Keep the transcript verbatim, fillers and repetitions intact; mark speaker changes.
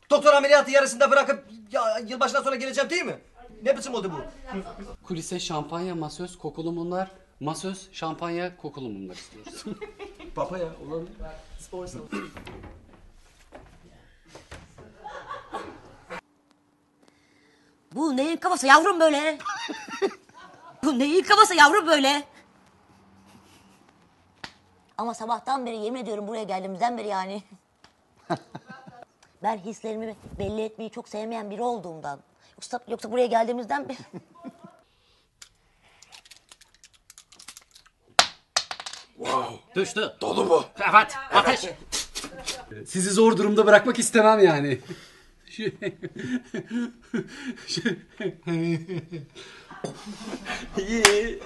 Speaker 1: Doktor ameliyatı yarısında bırakıp ya, yılbaşından sonra geleceğim değil mi? Ne biçim oldu bu?
Speaker 2: Kulise şampanya, masöz, kokulu mumlar. Masöz, şampanya, kokulu mumlar istiyoruz.
Speaker 1: Papa ya olabilir.
Speaker 3: Bu neyin kafası yavrum böyle? Bu neyin kafası yavrum böyle? Ama sabahtan beri yemin ediyorum buraya geldiğimizden beri yani. Ben hislerimi belli etmeyi çok sevmeyen biri olduğumdan. Yoksa, yoksa buraya geldiğimizden beri...
Speaker 2: Düştü.
Speaker 1: Dolu mu?
Speaker 2: Evet, ateş. Sizi zor durumda bırakmak istemem yani.
Speaker 1: İyi.